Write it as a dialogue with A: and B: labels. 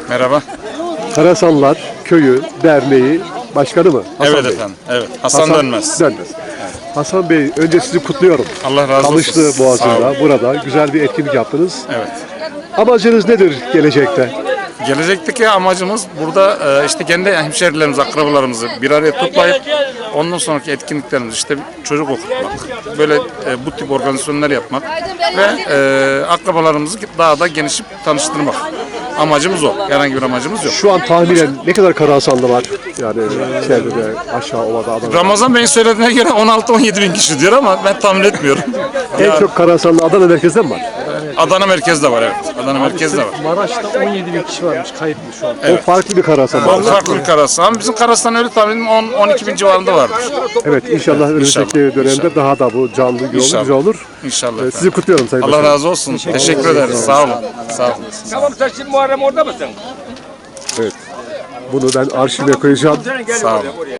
A: Merhaba.
B: Karasanlar Köyü Derneği Başkanı mı? Hasan
A: Evet
B: Bey.
A: efendim. Evet. Hasan Dönmez.
B: Dönmez. Hasan Bey, önce sizi kutluyorum.
A: Allah razı olsun.
B: Çalıştı
A: Sağ
B: Boğazı'nda.
A: olun.
B: Burada güzel bir etkinlik yaptınız.
A: Evet.
B: Amacınız nedir gelecekte?
A: Gelecekteki amacımız burada işte kendi hemşerilerimizi, akrabalarımızı bir araya toplayıp ondan sonraki etkinliklerimiz işte çocuk okutmak, böyle bu tip organizasyonlar yapmak ve akrabalarımızı daha da genişip tanıştırmak. Amacımız o. Herhangi bir amacımız yok.
B: Şu an tahminen ne kadar Karasanlı var? Yani çevrede, aşağı ovada, Adana'da.
A: Ramazan Bey'in söylediğine göre 16-17 bin kişi diyor ama ben tahmin etmiyorum.
B: En çok Karasanlı Adana merkezde mi var?
A: Adana merkezde var, evet. Adana merkezde var.
C: Maraş'ta 17 bin kişi varmış kayıtlı şu an.
B: O farklı bir Karasan.
A: O farklı bir Karasan. Bizim Karas'tan öyle tahminim 12 bin civarında vardır.
B: Evet, inşallah önümüzdeki dönemde
A: İnşallah.
B: daha da bu canlı, yoğun,
A: İnşallah.
B: güzel olur.
A: İnşallah.
B: Sizi kutluyorum Sayın
A: Allah
B: Başkanım.
A: razı olsun. Teşekkür ederiz. Sağ olun. Sağ olun.
D: Tamam, sen şimdi Muharrem orada mısın?
B: Evet. Bunu ben arşive koyacağım.
A: Sağ olun.